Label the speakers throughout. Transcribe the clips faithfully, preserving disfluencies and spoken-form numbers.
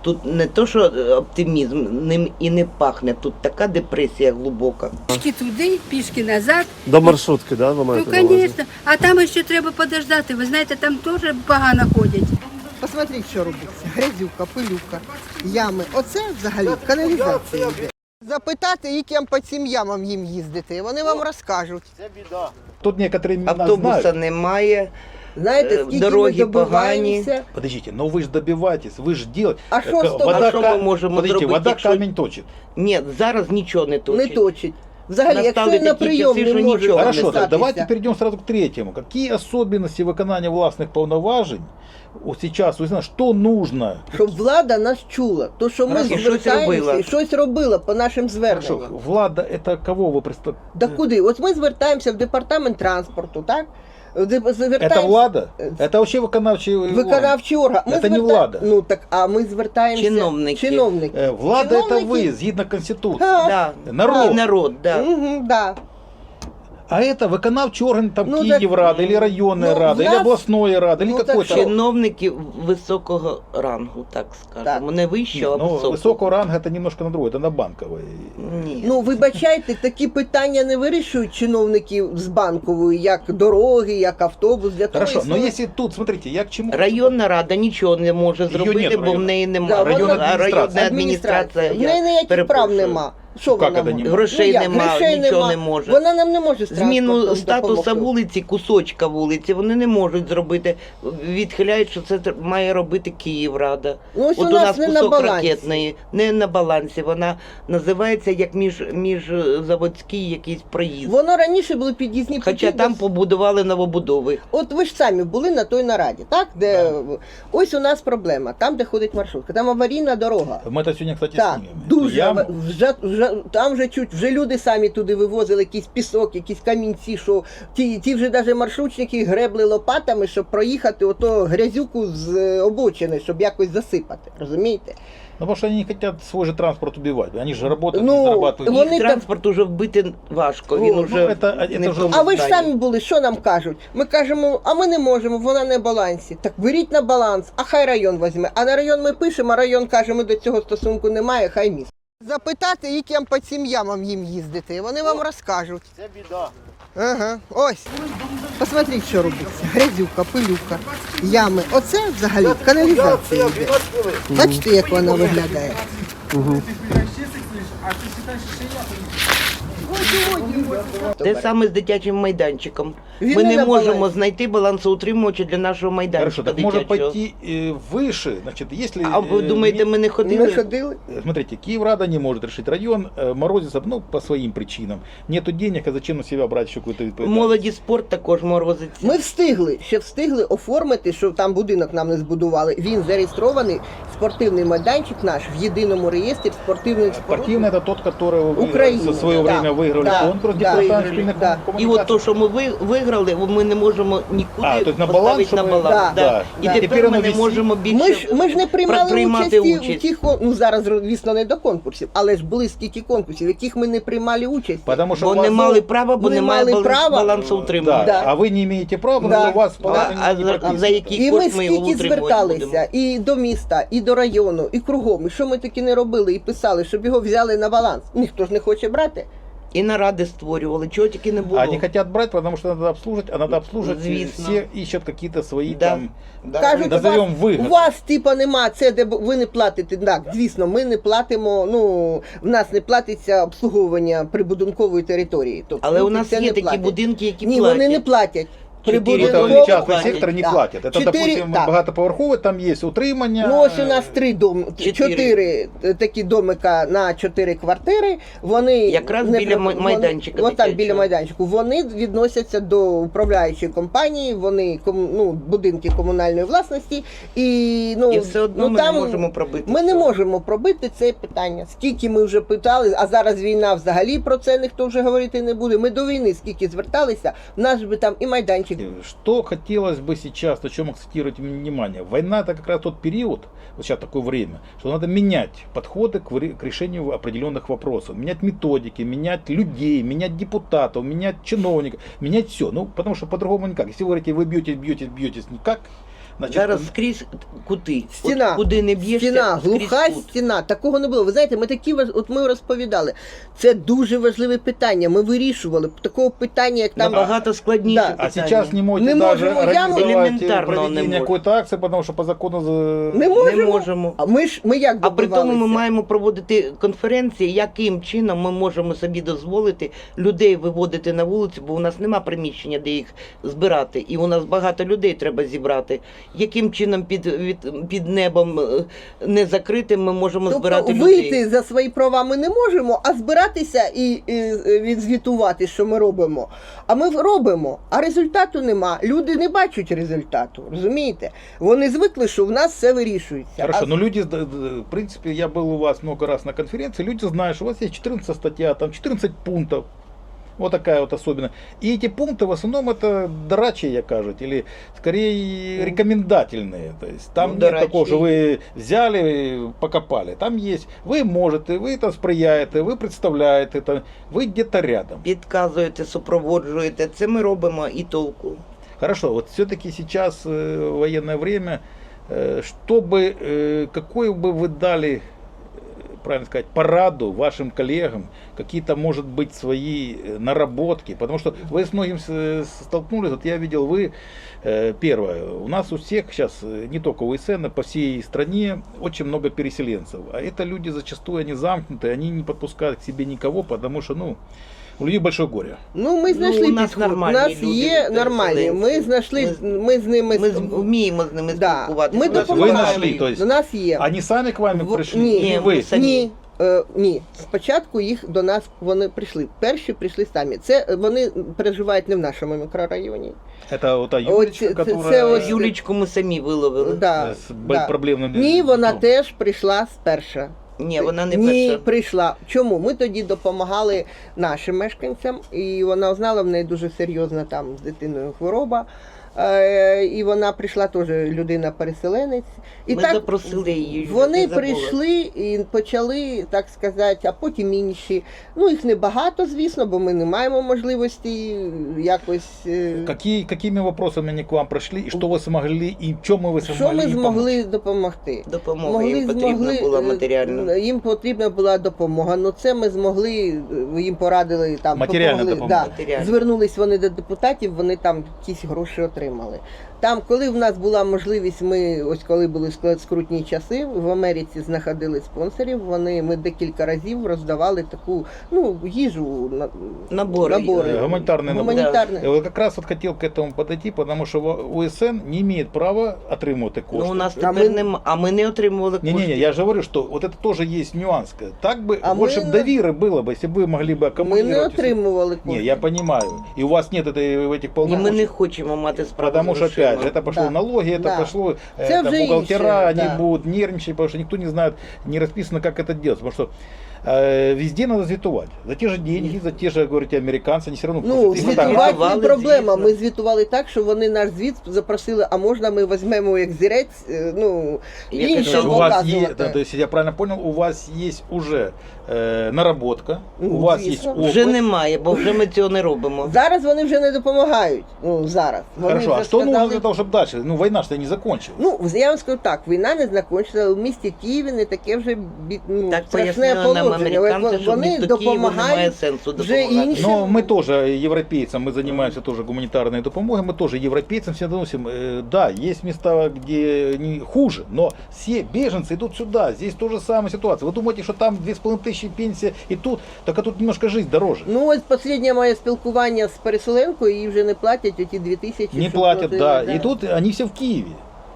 Speaker 1: Тут не то, що оптимізм, ним і не пахне, тут така депресія глибока.
Speaker 2: Пішки туди, пішки назад.
Speaker 3: До маршрутки, да, ви
Speaker 2: Ну,
Speaker 3: маєте на увазі?
Speaker 2: звісно. А там ще треба подождати. Ви знаєте, там теж погано ходять.
Speaker 4: Посмотрите, що робиться. Грязюка, пилюка, ями. Оце взагалі каналізація йде. Запитати, яким по цим ямам їм їздити, вони вам розкажуть.
Speaker 5: Тут некоторые меня
Speaker 1: Автобуса
Speaker 5: знают.
Speaker 1: немає,
Speaker 4: Знаєте,
Speaker 1: Е,
Speaker 4: скільки
Speaker 1: дороги
Speaker 4: ми добиваємося.
Speaker 5: Подождите, но вы же добиваетесь, вы же делаете.
Speaker 4: А що з того?
Speaker 5: вода,
Speaker 1: А що
Speaker 5: ка-
Speaker 1: ми можемо
Speaker 5: подождите,
Speaker 1: зробити,
Speaker 5: вода
Speaker 1: якщо-
Speaker 5: камень точит.
Speaker 1: ні, зараз нічого не
Speaker 4: Не
Speaker 1: точить.
Speaker 4: точить. Взагалі,
Speaker 1: Настали
Speaker 4: якщо на
Speaker 1: такі
Speaker 4: прийом
Speaker 1: часи,
Speaker 4: не
Speaker 1: що
Speaker 4: може
Speaker 1: нічого.
Speaker 5: Хорошо, так
Speaker 4: записатися.
Speaker 5: давайте перейдем сразу к третьему. Какие особенности виконания властных повноважень вот сейчас, вы знаете, что нужно?
Speaker 4: Щоб влада нас чула. То, що ми
Speaker 1: Хорошо, щось
Speaker 4: звертаємося
Speaker 1: робила.
Speaker 4: і щось робила по нашим зверненням.
Speaker 5: Хорошо, влада это кого вы представляете?
Speaker 4: Да куди? От ми звертаємося в департамент транспорту, так? Де- звертаємося-
Speaker 5: Это влада? Это вообще виконавчий орган.
Speaker 4: Виконавчий орган. Ми
Speaker 5: Це не
Speaker 4: зверта-
Speaker 5: влада.
Speaker 4: Ну так, а ми звертаємося.
Speaker 1: Чиновники.
Speaker 4: Чиновники.
Speaker 5: Э, Влада это
Speaker 4: Чиновники.
Speaker 5: вы, згідно Конституции.
Speaker 4: Да.
Speaker 1: Да.
Speaker 5: Народ.
Speaker 1: І народ, да.
Speaker 4: Угу, да.
Speaker 5: А это виконавчий орган, там
Speaker 4: Ну,
Speaker 5: Киеврада, или районная
Speaker 4: ну,
Speaker 5: рада,
Speaker 4: в
Speaker 5: или
Speaker 4: нас-
Speaker 5: областной рада, или
Speaker 4: ну, так
Speaker 5: какой-то.
Speaker 1: Чиновники високого рангу, так скажемо.
Speaker 4: Так.
Speaker 1: Не вищого, а
Speaker 5: Ну,
Speaker 1: високого.
Speaker 5: высокого ранга это немножко на другое, это на банковой.
Speaker 1: Ні.
Speaker 4: Ну, вибачайте, такі питання не вирішують чиновники з банкової, як дороги, як автобус. Для того
Speaker 5: Хорошо, но
Speaker 4: існує-
Speaker 5: если тут, смотрите, я к чему...
Speaker 1: Районна рада нічого не може
Speaker 5: Її
Speaker 1: зробити,
Speaker 5: нет
Speaker 1: бо в
Speaker 5: районна.
Speaker 1: неї
Speaker 4: Да,
Speaker 1: немає.
Speaker 5: районна
Speaker 4: вона-
Speaker 1: А районна
Speaker 5: адміністрація.
Speaker 1: адміністрація.
Speaker 4: В неї ніяких прав
Speaker 1: перепрошую.
Speaker 4: нема. Що
Speaker 5: Як
Speaker 4: вона
Speaker 5: це
Speaker 4: може?
Speaker 5: нема?
Speaker 1: Грошей
Speaker 4: Ну, як?
Speaker 1: нема,
Speaker 4: Грошей
Speaker 1: нічого
Speaker 4: нема.
Speaker 1: не може.
Speaker 4: Вона нам не може з
Speaker 1: Зміну
Speaker 4: транспортом
Speaker 1: статуса
Speaker 4: допомогти.
Speaker 1: вулиці, кусочка вулиці, вони не можуть зробити. Відхиляють, що це тр- має робити Київрада.
Speaker 4: Ну, ось
Speaker 1: От
Speaker 4: у
Speaker 1: у
Speaker 4: нас
Speaker 1: нас
Speaker 4: не на
Speaker 1: кусок
Speaker 4: балансі.
Speaker 1: ракетної, не на балансі. Вона називається як між, міжзаводський якийсь проїзд.
Speaker 4: Воно раніше були під'їзні
Speaker 1: Хоча
Speaker 4: путі
Speaker 1: там
Speaker 4: до-
Speaker 1: побудували новобудови.
Speaker 4: От ви ж самі були на той нараді, так? Де ось у нас проблема, там, де ходить маршрутка, там аварійна дорога.
Speaker 5: Мы это сегодня, кстати,
Speaker 4: Так,
Speaker 5: снимем.
Speaker 4: дуже
Speaker 5: Яму.
Speaker 4: ава- вже, вже там вже чуть вже люди самі туди вивозили якийсь пісок, якісь камінці, що ті, ті вже навіть маршрутники гребли лопатами, щоб проїхати ото грязюку з е, обочини, щоб якось засипати. Розумієте?
Speaker 5: Ну, потому что они не хотят свой же транспорт убивать. Они же работают,
Speaker 4: Ну,
Speaker 5: не зарабатывают.
Speaker 4: вони
Speaker 1: Їх
Speaker 4: там-
Speaker 1: транспорт уже вбити важко. Він
Speaker 4: Ну,
Speaker 1: уже
Speaker 5: ну, це- це
Speaker 1: не в
Speaker 5: вже-
Speaker 1: тому
Speaker 4: А ви ж
Speaker 1: стані.
Speaker 4: самі були, що нам кажуть? Ми кажемо, а ми не можемо, вона не в балансі. Так беріть на баланс, а хай район візьме. А на район ми пишемо, а район каже, ми до цього стосунку немає, хай місто. Запитати, яким по цим ямам їм їздити, вони вам розкажуть. Це біда. Ага, ось. Посмотрите, що робиться. Грязюка, пилюка, ями. Оце взагалі каналізація йде. Бачите, як вона виглядає?
Speaker 1: Те саме з дитячим майданчиком.
Speaker 4: Він
Speaker 1: Ми
Speaker 4: не
Speaker 1: не
Speaker 4: на
Speaker 1: можемо
Speaker 4: балансі.
Speaker 1: знайти балансоутримувача для нашого
Speaker 5: Хорошо,
Speaker 1: майданчика
Speaker 5: так можно
Speaker 1: дитячого.
Speaker 5: пойти э, выше, значит, если...
Speaker 1: А ви
Speaker 5: э,
Speaker 1: думаєте,
Speaker 5: ми-
Speaker 1: ми не
Speaker 4: Ми
Speaker 1: ходили?
Speaker 4: ходили.
Speaker 5: Э, Смотрите, Киеврада не может решить район, э, Морозится, ну, по своим причинам. Нету денег, а зачем на себя брать еще какую-то ответственность?
Speaker 1: Молоді спорт також морозиться.
Speaker 4: Ми встигли, ще встигли оформити, що там будинок нам не збудували. Він зареєстрований, спортивний майданчик наш в єдиному реєстрі спортивних
Speaker 5: Спортивный это тот, который вы
Speaker 4: Украина,
Speaker 5: в свое
Speaker 4: да,
Speaker 5: время выиграли
Speaker 4: да,
Speaker 5: конкурс
Speaker 4: да,
Speaker 5: департамент
Speaker 4: выиграли,
Speaker 5: школьных
Speaker 4: да.
Speaker 1: І от то, що ми ви- виграли, ми не можемо нікуди
Speaker 5: А, тобто на
Speaker 1: поставити
Speaker 5: баланс,
Speaker 1: на
Speaker 5: щоб-
Speaker 1: баланс.
Speaker 4: Да,
Speaker 1: да.
Speaker 5: да.
Speaker 1: І
Speaker 4: І
Speaker 1: тепер
Speaker 5: тепер
Speaker 1: ми
Speaker 5: воно
Speaker 1: не
Speaker 5: висить.
Speaker 1: можемо більше
Speaker 4: Ми ж, ми ж не приймали
Speaker 1: приймати
Speaker 4: участі
Speaker 1: участь.
Speaker 4: в тих, кон- ну зараз, звісно, не до конкурсів, але ж були стільки конкурсів, в яких ми не приймали участь.
Speaker 5: Потому что
Speaker 1: Бо
Speaker 5: у вас-
Speaker 1: не мали права, бо
Speaker 4: не
Speaker 1: немає
Speaker 4: мали
Speaker 1: баланс-
Speaker 4: права.
Speaker 1: балансоутримування.
Speaker 5: Да,
Speaker 4: Да.
Speaker 5: а вы не имеете права, потому
Speaker 4: Да.
Speaker 5: что у вас
Speaker 1: А,
Speaker 5: положение
Speaker 1: а
Speaker 5: не
Speaker 1: за,
Speaker 5: прописано.
Speaker 1: за який
Speaker 4: І ми
Speaker 1: кошт ми його
Speaker 4: скільки
Speaker 1: утримувати будемо?
Speaker 4: зверталися і до міста, і до району, і кругом. І що ми таки не робили, і писали, щоб його взяли на баланс. Ніхто ж не хоче брати.
Speaker 1: І наради створювали, чого тільки не було.
Speaker 5: А они хотят брать, потому что надо обслуживать, а надо обслуживать,
Speaker 1: Звісно.
Speaker 5: все ищут какие-то свои
Speaker 1: Да.
Speaker 5: там,
Speaker 4: Кажуть, у
Speaker 5: назовем
Speaker 4: вас,
Speaker 5: выгоды.
Speaker 4: у вас типа нема, це де б- ви не платите. Так, звісно, ми не платимо, ну, в нас не платиться обслуговування прибудинкової території. Тобто,
Speaker 1: Але у
Speaker 4: люди
Speaker 1: нас
Speaker 4: це
Speaker 1: є
Speaker 4: не
Speaker 1: такі
Speaker 4: платять.
Speaker 1: будинки, які
Speaker 4: Ні,
Speaker 1: платять.
Speaker 4: вони не платять.
Speaker 1: Чотири
Speaker 5: Это
Speaker 1: Прибудинково
Speaker 5: частный
Speaker 1: платять,
Speaker 5: сектор не
Speaker 4: да.
Speaker 5: платит. Это,
Speaker 4: Чотири-
Speaker 5: допустим,
Speaker 4: так.
Speaker 5: багатоповерховый, там есть утримання.
Speaker 4: Ну ось у нас три дом,
Speaker 1: Чотири.
Speaker 4: чотири е, такі домика на чотири квартири. Вони
Speaker 1: Якраз
Speaker 4: не
Speaker 1: біля
Speaker 4: при-
Speaker 1: май-
Speaker 4: вони-
Speaker 1: майданчика
Speaker 4: Отак,
Speaker 1: дитячого.
Speaker 4: біля майданчику. Вони відносяться до управляючої компанії, вони ком- ну, будинки комунальної власності. І, ну,
Speaker 1: І все одно
Speaker 4: ну,
Speaker 1: ми
Speaker 4: там
Speaker 1: не можемо пробити.
Speaker 4: Ми не
Speaker 1: це.
Speaker 4: можемо пробити це питання. Скільки ми вже питали, а зараз війна взагалі про це ніхто вже говорити не буде. Ми до війни скільки зверталися, в нас би там і майданчик.
Speaker 5: Что хотелось бы сейчас, на чем акцентировать внимание? Война это как раз тот период, вот сейчас такое время, что надо менять подходы к, вре- к решению определенных вопросов, менять методики, менять людей, менять депутатов, менять чиновников, менять все. Ну, потому что по-другому никак. Если вы говорите, вы бьетесь, бьетесь, бьетесь, никак, Значит,
Speaker 1: Зараз скрізь кути.
Speaker 4: Стіна,
Speaker 1: От куди не б'єшся,
Speaker 4: стіна,
Speaker 1: скрізь
Speaker 4: глуха
Speaker 1: кут.
Speaker 4: стіна. Такого не було. Ви знаєте, ми такі важ- от ми розповідали. Це дуже важливе питання. Ми вирішували такого питання, як там
Speaker 1: Набагато складніше
Speaker 4: Да.
Speaker 1: питання.
Speaker 5: а сейчас не можете
Speaker 4: Не
Speaker 5: даже
Speaker 4: можем, я
Speaker 5: организовать
Speaker 1: элементарно не
Speaker 5: проведение
Speaker 1: можем.
Speaker 5: какой-то акции, потому что по закону за-
Speaker 4: не можемо.
Speaker 1: Не можемо.
Speaker 4: А ми ж ми як
Speaker 1: А при тому ми
Speaker 4: добивалися?
Speaker 1: маємо проводити конференції, яким чином ми можемо собі дозволити людей виводити на вулицю, бо у нас нема приміщення, де їх збирати. І у нас багато людей треба зібрати. Яким чином під, від, під небом е, не закритим ми можемо
Speaker 4: Тобто
Speaker 1: збирати
Speaker 4: вийти
Speaker 1: людей?
Speaker 4: за свої права ми не можемо, а збиратися і, і відзвітувати, що ми робимо. А ми робимо, а результату нема. Люди не бачать результату, розумієте? Вони звикли, що в нас все вирішується.
Speaker 5: Хорошо,
Speaker 4: А
Speaker 5: но люди, да, да, в принципе, я был у вас много раз на конференции, люди знают, что у вас есть четырнадцатая статья, там четырнадцать пунктов. Вот такая вот особенность. И эти пункты в основном это дорачие, я кажут, или скорее рекомендательные. То есть там
Speaker 1: Ну,
Speaker 5: нет
Speaker 1: дорачие.
Speaker 5: такого, что вы взяли, покопали. Там есть, вы можете, вы это сприяете, вы представляете, это, вы где-то рядом.
Speaker 1: Підказуєте, супроводжуєте. Це ми робимо і толку.
Speaker 5: Хорошо, вот все-таки сейчас э, военное время, э, чтобы, э, какой бы вы дали, э, правильно сказать, пораду вашим коллегам, какие-то, может быть, свои э, наработки, потому что вы с многим с- столкнулись, вот я видел, вы, э, первое, у нас у всех сейчас, э, не только у ИСН, по всей стране очень много переселенцев, а это люди зачастую, они замкнутые, они не подпускают к себе никого, потому что, ну, у людей большое горе.
Speaker 4: Ну, ми
Speaker 1: Ну,
Speaker 4: знайшли
Speaker 1: у нас
Speaker 4: підход. У
Speaker 1: нормальні
Speaker 4: нас
Speaker 1: люди,
Speaker 4: є нормальні. Ми
Speaker 1: переселенці.
Speaker 4: знайшли,
Speaker 1: Ми-
Speaker 4: ми з ними
Speaker 1: Ми з- вміємо з ними
Speaker 4: Да.
Speaker 1: спілкуватися.
Speaker 4: Ми
Speaker 1: У нас
Speaker 5: Вы
Speaker 4: допомагаємо.
Speaker 5: нашли, то есть,
Speaker 4: До нас є.
Speaker 5: они сами к вам
Speaker 4: В-
Speaker 5: пришли,
Speaker 4: ні,
Speaker 5: или
Speaker 1: Ні,
Speaker 5: вы?
Speaker 1: ми самі.
Speaker 4: Ні, е, ні. Спочатку їх до нас вони прийшли. Перші прийшли самі. Це е, вони проживають не в нашому мікрорайоні.
Speaker 5: Это вот та
Speaker 4: Ось
Speaker 5: Юлечка,
Speaker 4: це-
Speaker 5: которая...
Speaker 4: це ось-
Speaker 1: Юлічку ми самі виловили.
Speaker 4: Да,
Speaker 5: З
Speaker 4: да.
Speaker 5: проблемним
Speaker 4: Ні, вона
Speaker 5: ну,
Speaker 4: теж прийшла сперша.
Speaker 1: Ні, вона не
Speaker 4: Ні,
Speaker 1: перша.
Speaker 4: прийшла. Чому? Ми тоді допомагали нашим мешканцям, і вона знала, в неї дуже серйозна там з дитиною хвороба. Е, І вона прийшла теж людина-переселенець. І
Speaker 1: Ми
Speaker 4: так
Speaker 1: запросили її.
Speaker 4: вони
Speaker 1: не забула.
Speaker 4: прийшли і почали, так сказати, а потім інші. Ну, їх небагато, звісно, бо ми не маємо можливості якось. е,
Speaker 5: Какие, какими вопросами они к вам пришли, и что вы смогли, и в чем вы смогли
Speaker 4: Що ми
Speaker 5: им
Speaker 4: змогли
Speaker 5: помочь?
Speaker 1: Допомога
Speaker 4: допомогти?
Speaker 1: їм потрібна була
Speaker 4: е,
Speaker 1: матеріальна.
Speaker 4: Їм потрібна була допомога. Ну це ми змогли, е, їм порадили там
Speaker 5: Матеріальна
Speaker 4: допомогли,
Speaker 5: допомога.
Speaker 4: Да.
Speaker 1: Матеріальна.
Speaker 4: Звернулись вони до депутатів, вони там якісь гроші отримали. Там, коли в нас була можливість, ми ось коли були склад- скрутні часи, в Америці знаходили спонсорів. Вони ми декілька разів роздавали таку ну їжу на
Speaker 1: Набори.
Speaker 4: набори.
Speaker 5: Э, гуманитарные наборы.
Speaker 4: Гуманітарні.
Speaker 5: Я вот как раз вот хотел к этому подойти, потому что в- УСН не имеет права отримувати кошти.
Speaker 1: Ну, у нас
Speaker 4: А
Speaker 1: тепер
Speaker 4: ми-
Speaker 1: нема, а ми не отримували коштів.
Speaker 5: Не-не-не, я же говорю, что вот это тоже есть нюанс. Так бы
Speaker 4: А
Speaker 5: больше
Speaker 4: мы
Speaker 5: б
Speaker 4: не-
Speaker 5: доверия было бы, если бы вы могли бы
Speaker 4: Ми
Speaker 5: аккумулировать.
Speaker 4: не отримували
Speaker 5: Не,
Speaker 4: кошти.
Speaker 5: я понимаю. И у вас нет этой, этих
Speaker 1: І ми
Speaker 5: полномочий.
Speaker 1: не хочемо мати справу
Speaker 5: Потому
Speaker 1: з
Speaker 5: что,
Speaker 1: грошима.
Speaker 5: опять же, это пошло
Speaker 4: Да.
Speaker 5: налоги, это
Speaker 4: Да.
Speaker 5: пошло э,
Speaker 4: Це
Speaker 5: там,
Speaker 4: вже
Speaker 5: бухгалтера,
Speaker 4: інше,
Speaker 5: они
Speaker 4: да.
Speaker 5: будут нервничать, потому что никто не знает, не расписано, как это делать. Потому что э, везде надо звітувати. За те же деньги, за те же, говорите, американцы, они все равно...
Speaker 4: Ну,
Speaker 5: просят. Им
Speaker 4: звітувати
Speaker 5: так,
Speaker 1: звітували,
Speaker 4: не проблема.
Speaker 1: звісно.
Speaker 4: Ми звітували так, що вони наш звіт запросили, а можна ми візьмемо як зірець, е, ну,
Speaker 1: Я
Speaker 4: інше
Speaker 1: кажу,
Speaker 5: у вас
Speaker 4: показувати.
Speaker 5: есть, да, то есть я правильно понял, у вас есть уже э, наработка,
Speaker 4: Ну,
Speaker 5: у вас
Speaker 4: звісно.
Speaker 5: есть опыт.
Speaker 1: Вже немає, бо вже ми цього не робимо.
Speaker 4: Зараз вони вже не допомагають. Ну, зараз. Вони
Speaker 5: Хорошо,
Speaker 4: вже
Speaker 5: а что нужно
Speaker 4: сказали-
Speaker 5: для того, чтобы дальше? Ну, война что не закончилась.
Speaker 4: Ну, я вам скажу так, війна не закінчилася, у місті Києві не таке вже бі- ну,
Speaker 1: Так
Speaker 4: страшне
Speaker 1: пояснили нам
Speaker 4: положення.
Speaker 1: американці, що
Speaker 4: Вони
Speaker 1: місто Києву немає
Speaker 4: допомагають
Speaker 1: сенсу
Speaker 4: вже
Speaker 1: допомагати.
Speaker 4: інші.
Speaker 5: Но мы тоже европейцам, мы занимаемся тоже гуманитарной допомогой, мы тоже европейцам все доносим. Э, Да, есть места, где не хуже, но все беженцы идут сюда, здесь тоже самая ситуация. Вы думаете, что там две с половиной тысячи пенсия и тут, так а тут немножко жизнь дороже.
Speaker 4: Ну, ось останнє моє спілкування з переселенкою, їй вже не платять оті дві тисячі.
Speaker 5: Не
Speaker 4: що
Speaker 5: платят,
Speaker 4: платили,
Speaker 5: да. И тут они все в Киеве.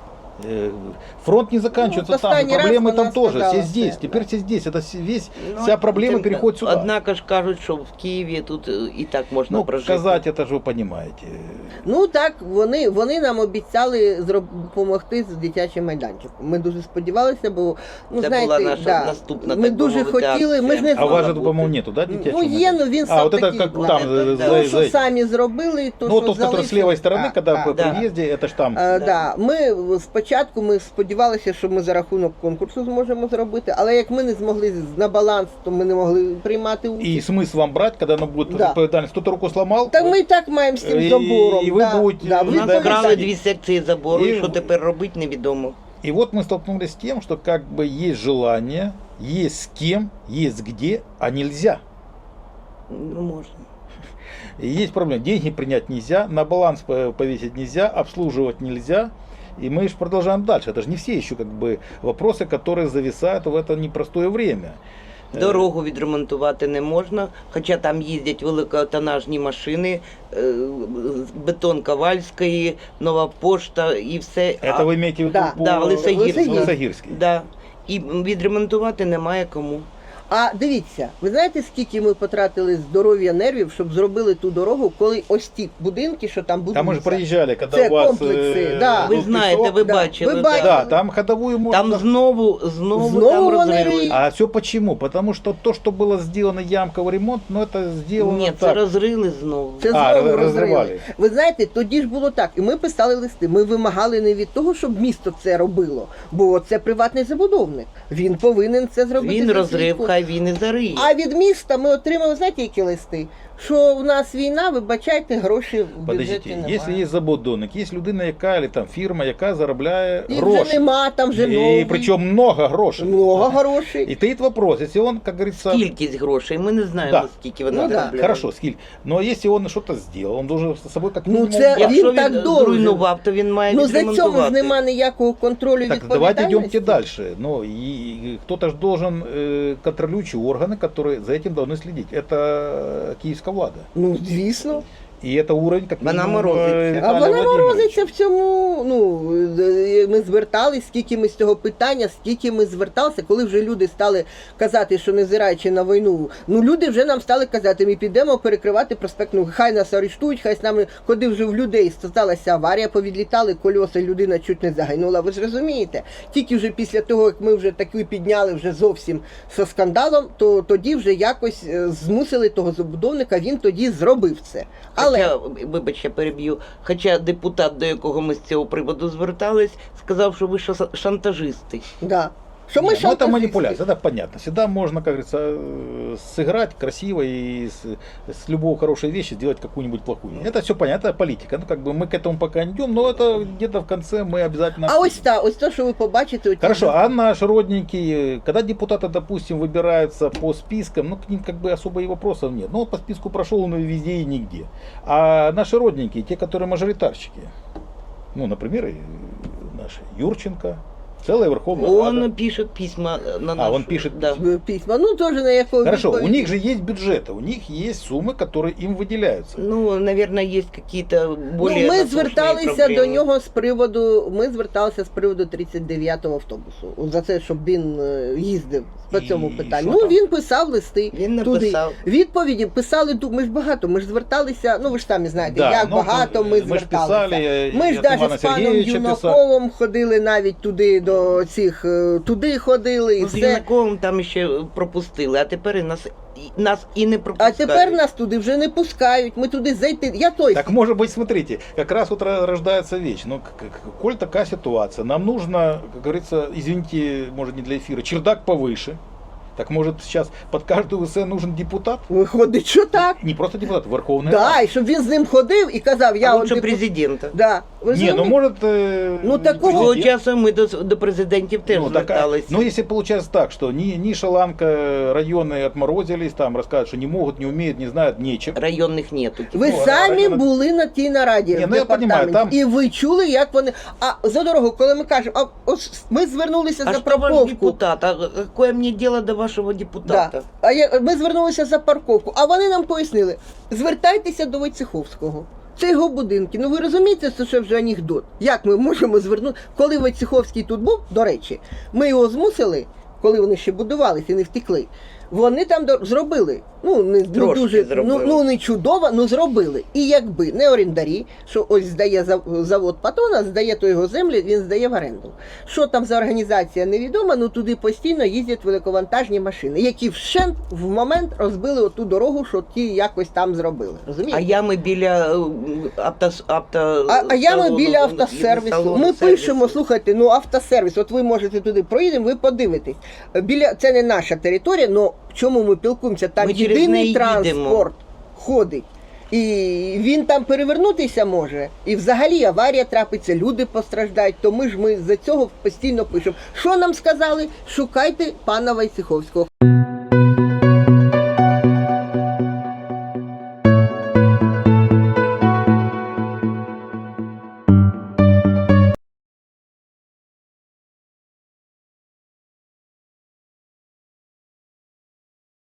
Speaker 5: Э, Фронт не заканчивается
Speaker 4: Ну,
Speaker 5: там, и
Speaker 4: последний раз
Speaker 5: проблемы
Speaker 4: она
Speaker 5: там тоже.
Speaker 4: сказала
Speaker 5: Все здесь,
Speaker 4: все,
Speaker 5: теперь
Speaker 4: да.
Speaker 5: все здесь. Это все- весь,
Speaker 1: Ну,
Speaker 5: вся проблема
Speaker 1: тим-
Speaker 5: переходит сюда.
Speaker 1: Однако ж кажуть, що в Києві тут е, і так можна
Speaker 5: Ну,
Speaker 1: прожити.
Speaker 5: сказать это же вы понимаете.
Speaker 4: Ну так, вони, вони нам обіцяли зроб- допомогти з дитячим майданчиком. Ми дуже сподівалися, бо ну
Speaker 1: Це
Speaker 4: знаєте,
Speaker 1: була наша
Speaker 4: да,
Speaker 1: наступна,
Speaker 4: ми
Speaker 1: так
Speaker 4: дуже
Speaker 1: би мовити,
Speaker 4: хотіли. Ми ж
Speaker 1: акція.
Speaker 4: не
Speaker 5: А у вас же,
Speaker 1: Мала бути.
Speaker 5: по-моему, нету, да, детячего
Speaker 4: ну є, ну
Speaker 5: майданчика?
Speaker 4: він
Speaker 5: А,
Speaker 4: сам
Speaker 5: вот это
Speaker 4: такий.
Speaker 5: как
Speaker 1: вот
Speaker 5: там,
Speaker 1: это,
Speaker 5: за-
Speaker 1: да.
Speaker 4: То,
Speaker 5: за-
Speaker 4: що
Speaker 5: за-
Speaker 4: самі зробили, то
Speaker 5: Ну,
Speaker 4: що
Speaker 5: тот, который с
Speaker 4: залишили.
Speaker 5: левой стороны,
Speaker 4: Так,
Speaker 5: когда
Speaker 4: так,
Speaker 5: по
Speaker 4: да.
Speaker 5: приезде, это ж там.
Speaker 4: Е,
Speaker 1: Да.
Speaker 4: да. Ми спочатку спочатку ми сподівалися, що ми за рахунок конкурсу зможемо зробити, але як ми не змогли на баланс, то ми не могли приймати участь.
Speaker 5: И смысл вам брать, когда оно будет
Speaker 4: Да.
Speaker 5: ответственность? Кто-то руку сломал?
Speaker 4: Так ми і так маємо з тим
Speaker 5: І-
Speaker 4: забором.
Speaker 5: і ви
Speaker 4: да,
Speaker 5: будете-
Speaker 4: да,
Speaker 5: ви
Speaker 4: ви
Speaker 1: У нас
Speaker 5: да,
Speaker 1: вкрали
Speaker 4: пам'ятаєте.
Speaker 1: дві секції забору, і
Speaker 5: І-
Speaker 1: що тепер робити, невідомо.
Speaker 5: И вот мы столкнулись с тем, что как бы есть желание, есть с кем, есть где, а нельзя.
Speaker 1: Ну, можна.
Speaker 5: И есть проблема. Деньги принять нельзя, на баланс по- повесить нельзя, обслуживать нельзя. И мы же продолжаем дальше. Это же не все еще как бы вопросы, которые зависают в это непростое время.
Speaker 1: Дорогу відремонтувати не можна, хоча там їздять великотонажні машини, е, бетон Ковальської, Нова Пошта і все.
Speaker 5: Это вы имеете в виду
Speaker 4: Да,
Speaker 5: по
Speaker 1: да, Лисогирский.
Speaker 5: Лисогирский.
Speaker 1: Да. І відремонтувати немає кому.
Speaker 4: А дивіться, ви знаєте, скільки ми потратили здоров'я нервів, щоб зробили ту дорогу, коли ось ті будинки, що там будуються.
Speaker 5: Там мы же проезжали, когда
Speaker 4: Це
Speaker 5: у вас...
Speaker 4: комплекси,
Speaker 5: э,
Speaker 4: да.
Speaker 1: Ви
Speaker 5: был
Speaker 1: знаєте,
Speaker 5: песок.
Speaker 1: ви
Speaker 4: да.
Speaker 1: бачили.
Speaker 4: Ви
Speaker 1: да.
Speaker 4: бачили.
Speaker 5: Да, там ходовую можно...
Speaker 1: Там знову, знову,
Speaker 4: Знову
Speaker 1: там
Speaker 4: вони
Speaker 1: розриви.
Speaker 4: риють.
Speaker 5: А все почему? Потому что то, что было сделано ямковый ремонт, ну это сделано
Speaker 1: Ні, це
Speaker 5: так.
Speaker 1: розрили знову.
Speaker 4: Це
Speaker 5: А,
Speaker 4: знову
Speaker 5: роз-
Speaker 4: розривали.
Speaker 5: розривали.
Speaker 4: Ви знаєте, тоді ж було так, і ми писали листи. Ми вимагали не від того, щоб місто це робило, бо це приватний забудовник. Він повинен це зробити.
Speaker 1: Він
Speaker 4: за свій
Speaker 1: розрив,
Speaker 4: кошт.
Speaker 1: хай він і зариє.
Speaker 4: А від міста ми отримали, знаєте, які листи? Що в нас війна, вибачайте, гроші в бюджеті
Speaker 5: Подождите,
Speaker 4: немає.
Speaker 5: если есть забудовник, есть людина, яка, или там фірма, яка заробляє
Speaker 4: Їх
Speaker 5: гроші.
Speaker 4: вже нема, там вже
Speaker 5: И
Speaker 4: новий.
Speaker 5: причем много грошей.
Speaker 4: Много грошей.
Speaker 5: И стоит вопрос, если он, как говорится,
Speaker 1: Кількість грошей, ми не знаємо,
Speaker 5: Да.
Speaker 1: скільки вони
Speaker 4: Ну да.
Speaker 1: заробляють.
Speaker 5: хорошо, скиль, но если он что-то сделал, он должен с собой как
Speaker 4: Ну,
Speaker 5: минимум...
Speaker 4: це-
Speaker 5: брать.
Speaker 1: Якщо
Speaker 4: Він так
Speaker 1: він
Speaker 4: должен.
Speaker 1: зруйнував, то він має
Speaker 4: Ну за цьому ж
Speaker 1: відремонтувати.
Speaker 4: нема ніякого контролю
Speaker 5: Так, давайте
Speaker 4: відповідальності.
Speaker 5: идемте дальше. Но и кто-то же должен, э, контролирующие органы, которые за этим должны следить. Это киевская влада.
Speaker 4: Ну, звісно.
Speaker 5: И это уровень, как
Speaker 1: Вона
Speaker 5: минимум,
Speaker 1: морозиться.
Speaker 5: э,
Speaker 4: А
Speaker 5: Виталия
Speaker 4: вона
Speaker 5: Владимировича.
Speaker 4: морозиться в цьому. Ну е, ми звертались, скільки ми з цього питання, скільки ми зверталися, коли вже люди стали казати, що не зираючи на війну. Ну люди вже нам стали казати, ми підемо перекривати проспект. Ну хай нас арештують, хай з нами, коли вже в людей сталася аварія, повідлітали кольоса, людина чуть не загинула. Ви ж розумієте? Тільки вже після того, як ми вже таки підняли вже зовсім зі скандалом, то тоді вже якось е, змусили того забудовника, він тоді зробив це. Але
Speaker 1: Хоча, вибач, я переб'ю, хоча депутат, до якого ми з цього приводу звертались, сказав, що ви ша- шантажисти.
Speaker 4: да. Що ми
Speaker 5: Не, ну это
Speaker 4: шантажисти.
Speaker 5: манипуляция, это понятно. Всегда можно, как говорится, э, сыграть красиво и с, с любой хорошей вещи сделать какую-нибудь плохую. Это все понятно, это политика. Ну, как бы мы к этому пока не идем, но это где-то в конце мы обязательно...
Speaker 4: А ось
Speaker 5: обсудим.
Speaker 4: та, ось те, що ви побачите. оті
Speaker 5: Хорошо,
Speaker 4: за-
Speaker 5: а наши родненькие, э, когда депутаты, допустим, выбираются по спискам, ну, к ним как бы особо и вопросов нет. Ну, вот по списку прошел, он и везде и нигде. А наши родненькие, те, которые мажоритарщики, ну, например, и наши Юрченко, целая Верховная Рада.
Speaker 1: Он пише письма на
Speaker 5: А,
Speaker 1: нашу.
Speaker 5: он пишет
Speaker 1: да.
Speaker 4: письма. Ну, теж на якого
Speaker 5: Хорошо, у
Speaker 4: відповідь.
Speaker 5: них же есть бюджеты, у них есть суммы, которые им выделяются.
Speaker 1: Ну, наверное, есть какие-то более
Speaker 4: Ну, ми
Speaker 1: насущные
Speaker 4: зверталися
Speaker 1: проблемы.
Speaker 4: до нього з приводу, ми зверталися з приводу тридцять дев'ятого автобусу. За це, щоб він е, їздив по
Speaker 5: І
Speaker 4: цьому питанню.
Speaker 5: що
Speaker 4: Ну,
Speaker 5: там?
Speaker 4: він писав листи.
Speaker 1: Він
Speaker 4: туди.
Speaker 1: написав.
Speaker 4: Відповіді писали, ду- ми ж багато, ми ж зверталися, ну ви ж самі знаєте,
Speaker 5: Да,
Speaker 4: як
Speaker 5: ну,
Speaker 4: багато ми
Speaker 5: ми ж
Speaker 4: зверталися.
Speaker 5: писали,
Speaker 4: Ми ж
Speaker 5: і
Speaker 4: навіть
Speaker 5: Івана
Speaker 4: з паном
Speaker 5: Сергійовича
Speaker 4: Юнаковим ходили навіть туди до цих, е, туди ходили і
Speaker 1: Ну, з
Speaker 4: все.
Speaker 1: Юнаковим там ще пропустили, а тепер і нас, і- нас і не
Speaker 4: А
Speaker 1: пропускають.
Speaker 4: тепер нас туди вже не пускають, ми туди зайти. Я той.
Speaker 5: Так может быть, смотрите, как раз вот ра- рождается вещь. Ну, к- к- коль такая ситуация, нам нужно, как говорится, извините, может не для эфира, чердак повыше. Так может сейчас под каждую ВС нужен депутат?
Speaker 4: Виходить, що так.
Speaker 5: Не просто депутат, Верховная
Speaker 4: Да,
Speaker 5: Рада.
Speaker 4: і щоб він з ним ходив і казав, я
Speaker 1: а
Speaker 4: от
Speaker 1: лучше
Speaker 4: депу-
Speaker 1: президента.
Speaker 4: Да. Ви
Speaker 5: Не, ну
Speaker 4: розумієте?
Speaker 5: может... э,
Speaker 4: Ну,
Speaker 5: не
Speaker 4: такого-
Speaker 1: Свого
Speaker 5: президент.
Speaker 1: часу ми до, до президентів теж
Speaker 5: Ну, так, а-
Speaker 1: зверталися.
Speaker 5: ну, если получается так, что ни, ни Шаланка районы отморозились, там рассказывают, что не могут, не умеют, не знают, нечем.
Speaker 1: Районних нету.
Speaker 4: Ви
Speaker 5: Ну,
Speaker 4: самі
Speaker 5: а-
Speaker 4: були на тій нараді
Speaker 5: Ні,
Speaker 4: в
Speaker 5: ну, я
Speaker 4: департаменті,
Speaker 5: понімаю, там-
Speaker 4: і ви чули, як вони. А за дорогу, коли ми кажемо, а ось ми звернулися
Speaker 1: А
Speaker 4: за
Speaker 1: что ваш
Speaker 4: парковку.
Speaker 1: депутат? А какое мне дело до вашего депутата?
Speaker 4: Да. А я, ми звернулися за парковку, а вони нам пояснили, звертайтеся до Войцеховського. Це його будинки. Ну ви розумієте, це що вже анекдот. Як ми можемо звернути, коли Войцеховський тут був, до речі, ми його змусили, коли вони ще будувалися і не втекли, вони там до- зробили Ну, не, не
Speaker 1: Трошки
Speaker 4: дуже, ну,
Speaker 1: зробили.
Speaker 4: ну не чудово, ну зробили. І якби не орендарі, що ось здає зав- завод Патона, здає то його землі, він здає в оренду. Що там за організація, невідомо, ну туди постійно їздять великовантажні машини, які вщент в момент розбили оту дорогу, що ті якось там зробили. Розумієте?
Speaker 1: А ями біля е, авто, авто
Speaker 4: А, а ями
Speaker 1: салону,
Speaker 4: біля автосервісу.
Speaker 1: салону
Speaker 4: Ми
Speaker 1: сервісу.
Speaker 4: пишемо, слухайте, ну автосервіс, от ви можете туди проїдемо, ви подивитесь. Біля це не наша територія, але чому ми пілкуємося? Там
Speaker 1: Ми через
Speaker 4: єдиний
Speaker 1: неї
Speaker 4: транспорт
Speaker 1: їдемо.
Speaker 4: ходить. І він там перевернутися може. І взагалі аварія трапиться, люди постраждають. То ми ж ми за цього постійно пишемо. Що нам сказали? Шукайте пана Войцеховського.